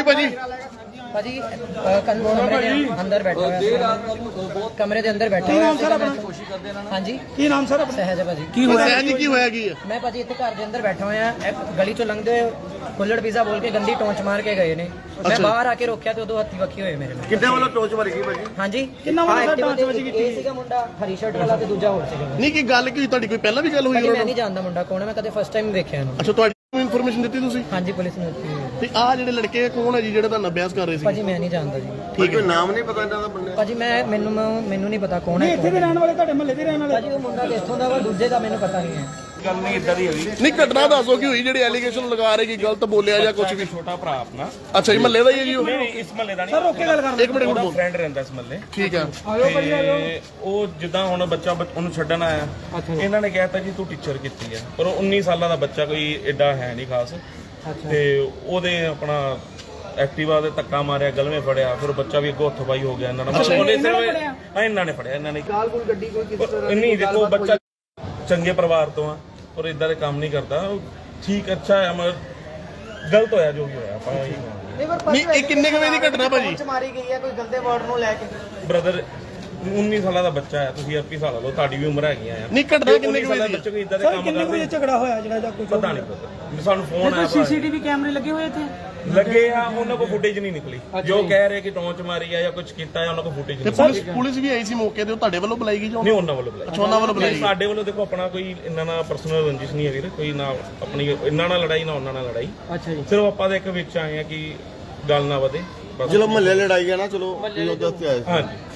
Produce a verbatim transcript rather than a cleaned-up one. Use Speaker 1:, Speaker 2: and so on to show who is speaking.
Speaker 1: ਹੋਈ ਭਾਜੀ?
Speaker 2: ਭਾਜੀ ਕਮਰੇ ਦੇ ਅੰਦਰ ਬੈਠਾ ਹੋਇਆ, ਕਮਰੇ ਦੇ ਅੰਦਰ ਬੈਠਾ ਹੋਇਆ। ਕੀ ਨਾਮ ਸਰ ਆਪਣਾ? ਹਾਂਜੀ ਕੀ ਨਾਮ ਸਰ ਆਪਣਾ? ਸਹਿਜ ਭਾਜੀ।
Speaker 1: ਕੀ ਹੋਇਆ ਸਹਿਜ ਜੀ? ਕੀ ਹੋਇਆ ਕੀ ਹੈ?
Speaker 2: ਮੈਂ ਭਾਜੀ ਇੱਥੇ ਘਰ ਦੇ ਅੰਦਰ ਬੈਠਾ ਹੋਇਆ, ਗਲੀ ਚੋਂ ਲੰਘਦੇ ਹੋਏ ਕੁੱਲੜ ਪੀਜ਼ਾ ਬੋਲ ਕੇ ਗੰਦੀ ਟੋਂਚ ਮਾਰ ਕੇ ਗਏ ਨੇ। ਮੈਂ ਬਾਹਰ ਆ ਕੇ ਰੋਕਿਆ ਤੇ ਉਦੋਂ ਹੱਥੀ ਵੱਖੀ ਹੋਏ ਮੇਰੇ ਨਾਲ।
Speaker 1: ਕਿੰਨੇ ਵੱਲੋਂ ਟੋਚ ਮਾਰੀ ਗਈ ਭਾਜੀ?
Speaker 2: ਹਾਂਜੀ ਕਿੰਨਾ ਵੱਲੋਂ ਟੋਚ ਵੱਜੀ ਕੀਤੀ? ਇਹ ਸੀਗਾ ਮੁੰਡਾ ਹਰੀ ਸ਼ਰਟ ਵਾਲਾ ਤੇ ਦੂਜਾ ਹੋਰ ਸੀਗਾ।
Speaker 1: ਨਹੀਂ ਕੀ ਗੱਲ ਕੀ ਤੁਹਾਡੀ ਕੋਈ ਪਹਿਲਾਂ ਵੀ ਗੱਲ ਹੋਈ?
Speaker 2: ਮੈਂ ਨਹੀਂ ਜਾਣਦਾ ਮੁੰਡਾ ਕੌਣ ਹੈ, ਮੈਂ ਕਦੇ ਫਸਟ ਟਾਈਮ ਵੇਖਿਆ ਇਹਨੂੰ।
Speaker 1: ਅੱਛਾ ਤੁਹਾਡੀ ਇਨਫੋਰਮੇਸ਼ਨ ਦਿੱਤੀ ਤੁਸੀਂ?
Speaker 2: ਹਾਂਜੀ ਪੁਲਿਸ ਨੇ ਦਿੱਤੀ ਹੋਈ ਹੈ।
Speaker 1: ਤੇ ਆਹ ਜਿਹੜੇ ਲੜਕੇ ਕੌਣ ਹੈ ਜੀ ਜਿਹੜਾ ਤੁਹਾਨੂੰ ਅਭਿਆਸ ਕਰ ਰਹੇ ਸੀ?
Speaker 2: ਭਾਜੀ ਮੈਂ ਨਹੀਂ ਜਾਣਦਾ ਜੀ।
Speaker 1: ਠੀਕ ਹੈ, ਨਾਮ ਨਹੀਂ ਪਤਾ ਇਹਨਾਂ ਦਾ ਬੰਦੇ?
Speaker 2: ਭਾਜੀ ਮੈਂ ਮੈਨੂੰ ਮੈਨੂੰ ਨਹੀਂ ਪਤਾ ਕੌਣ ਹੈ।
Speaker 3: ਇੱਥੇ ਦੇ ਰਹਿਣ ਵਾਲੇ, ਤੁਹਾਡੇ ਮਹੱਲੇ ਦੇ ਰਹਿਣ ਵਾਲੇ?
Speaker 2: ਭਾਜੀ ਉਹ ਮੁੰਡਾ ਕਿੱਥੋਂ ਦਾ ਵਾ, ਦੂਜੇ ਦਾ ਮੈਨੂੰ ਪਤਾ ਨਹੀਂ ਹੈ।
Speaker 4: ਗੱਲ ਨਹੀਂ ਇਦਾਂ ਦੀ ਹੈਗੀ।
Speaker 1: ਨਹੀਂ ਘਟਨਾ ਦੱਸੋ ਕੀ ਹੋਈ ਜਿਹੜੀ ਐਲੀਗੇਸ਼ਨ ਲਗਾ ਰਹੇ ਕਿ ਗਲਤ ਬੋਲਿਆ ਜਾਂ ਕੁਝ ਵੀ?
Speaker 4: ਛੋਟਾ ਭਰਾ ਆਪਣਾ।
Speaker 1: ਅੱਛਾ ਜੀ ਮਹੱਲੇ ਦਾ ਹੀ ਹੈ ਜੀ ਉਹ?
Speaker 4: ਨਹੀਂ ਇਸ ਮਹੱਲੇ ਦਾ ਨਹੀਂ
Speaker 3: ਸਰ ਓਕੇ ਗੱਲ ਕਰ
Speaker 1: ਇੱਕ ਮਿੰਟ
Speaker 4: ਉਹਦਾ
Speaker 1: ਬੋਲ।
Speaker 4: ਫਰੈਂਡ ਰਹਿੰਦਾ ਇਸ ਮਹੱਲੇ।
Speaker 1: ਠੀਕ ਹੈ।
Speaker 4: ਤੇ ਉਹ ਜਿੱਦਾਂ ਹੁਣ ਬੱਚਾ ਬੱਚ- ਉਹਨੂੰ ਛੱਡਣ ਆਇਆ, ਇਹਨਾਂ ਨੇ ਕਹਿਤਾ ਜੀ ਤੂੰ ਟੀਚਰ ਕੀਤੀ ਆ, ਪਰ ਉਹ ਉੱਨੀ ਸਾਲਾਂ ਦਾ ਬੱਚਾ ਕੋਈ ਐਡਾ ਹੈ ਨਹੀਂ ਖਾਸ। ਤੇ ਉਹਦੇ ਆਪਣਾ ਐਕਟਿਵਾ ਦੇ ਧੱਕਾ ਮਾਰਿਆ, ਗਲਵੇਂ ਫੜਿਆ, ਫਿਰ ਬੱਚਾ ਵੀ ਅੱਗੋਂ ਹੱਥ ਪਾਈ ਹੋ ਗਿਆ ਇਹਨਾਂ ਨਾਲ। ਹਾਂ ਇਹਨਾਂ ਨੇ ਫੜਿਆ ਇਹਨਾਂ ਨੇ।
Speaker 2: ਕਾਲ ਕੋਲ ਗੱਡੀ ਕੋਈ ਕਿਸ ਤਰ੍ਹਾਂ
Speaker 4: ਨਹੀਂ ਦੇਖੋ ਬੱਚਾ ਚੰਗੇ ਪਰਿਵਾਰ ਤੋਂ ਆ ਪਰ ਇਦਾਂ ਦੇ ਕੰਮ ਨਹੀਂ ਕਰਦਾ। ਠੀਕ ਅੱਛਾ ਹੈ ਮਗਰ ਗਲਤ ਹੋਇਆ ਜੋ ਵੀ ਹੋਇਆ। ਆਪਾਂ ਇਹੀ ਕਹਾਂਗੇ।
Speaker 1: ਨਹੀਂ ਇਹ ਕਿੰਨੇ ਕੁ ਵਜੇ ਦੀ ਘਟਨਾ ਭਾਜੀ?
Speaker 2: ਮਾਰੀ ਗਈ ਹੈ ਕੋਈ ਗੰਦੇ ਵਰਡ ਨੂੰ ਲੈ ਕੇ।
Speaker 4: ਬ੍ਰਦਰ ਉੱਨੀ ਸਾਲਾਂ ਦਾ ਬੱਚਾ ਹੈ, ਤੁਸੀਂ ਇੱਕੀ ਸਾਲ ਲਓ, ਤੁਹਾਡੀ ਵੀ ਉਮਰ ਹੈਗੀ ਆ।
Speaker 1: ਨਹੀਂ ਘਟਨਾ ਕਿੰਨੇ ਕੁ ਵਜੇ ਦੀ?
Speaker 4: ਬੱਚੇ ਕੋਈ ਇਦਾਂ ਦੇ
Speaker 3: ਸਰ
Speaker 4: ਕੰਮ
Speaker 3: ਕਿੰਨੇ
Speaker 4: ਕਰਦੇ
Speaker 3: ਵਜੇ ਝਗੜਾ ਹੋਇਆ ਜਿਹੜਾ ਜਾਂ ਕੋਈ
Speaker 4: ਪਤਾ ਨਹੀਂ ਪਤਾ। ਸਾਨੂੰ ਫੋਨ ਆਇਆ
Speaker 3: ਸੀਸੀਟੀਵੀ ਕੈਮਰੇ ਲੱਗੇ ਹੋਏ ਇੱਥੇ?
Speaker 4: ਲੱਗੇ ਆ, ਉਹਨਾਂ ਕੋਲ ਫੁਟੇਜ ਨਹੀਂ ਨਿਕਲੀ। ਜੋ ਕਹਿ ਰਹੇ ਕਿ ਟੌਂਚ ਮਾਰੀ ਆ ਜਾਂ ਕੁਝ ਕੀਤਾ ਆ, ਉਹਨਾਂ ਕੋਲ ਫੁਟੇਜ
Speaker 1: ਤੇ
Speaker 4: ਨਹੀਂ।
Speaker 1: ਪੁਲਿਸ ਪੁਲਿਸ ਵੀ ਆਈ ਸੀ ਮੌਕੇ ਤੇ, ਉਹ ਤੁਹਾਡੇ ਵੱਲੋਂ ਬੁਲਾਈ ਗਈ ਜਾਂ
Speaker 4: ਨਹੀਂ ਉਹਨਾਂ ਵੱਲੋਂ ਬੁਲਾਈ?
Speaker 1: ਅੱਛਾ ਉਹਨਾਂ ਵੱਲੋਂ ਬੁਲਾਈ?
Speaker 4: ਸਾਡੇ ਵੱਲੋਂ ਦੇਖੋ ਆਪਣਾ ਕੋਈ ਇਹਨਾਂ ਨਾਲ ਪਰਸਨਲ ਰੰਜਿਸ਼ ਨਹੀਂ ਹੈ ਵੀਰ, ਕੋਈ ਨਾ ਆਪਣੀ ਇਹਨਾਂ ਨਾਲ ਲੜਾਈ ਨਾ ਉਹਨਾਂ ਨਾਲ ਲੜਾਈ।
Speaker 3: ਅੱਛਾ ਜੀ।
Speaker 4: ਸਿਰਫ ਆਪਾਂ ਦੇ ਇੱਕ ਵਿੱਚ ਆਏ ਆ ਕਿ ਗੱਲ ਨਾ ਵਧੇ।
Speaker 5: ਚਲੋ ਮਹੱਲੇ ਲੜਾਈ ਆ ਨਾ, ਚਲੋ ਉਹਦੇ ਵਾਸਤੇ ਆਏ।
Speaker 4: ਹਾਂਜੀ।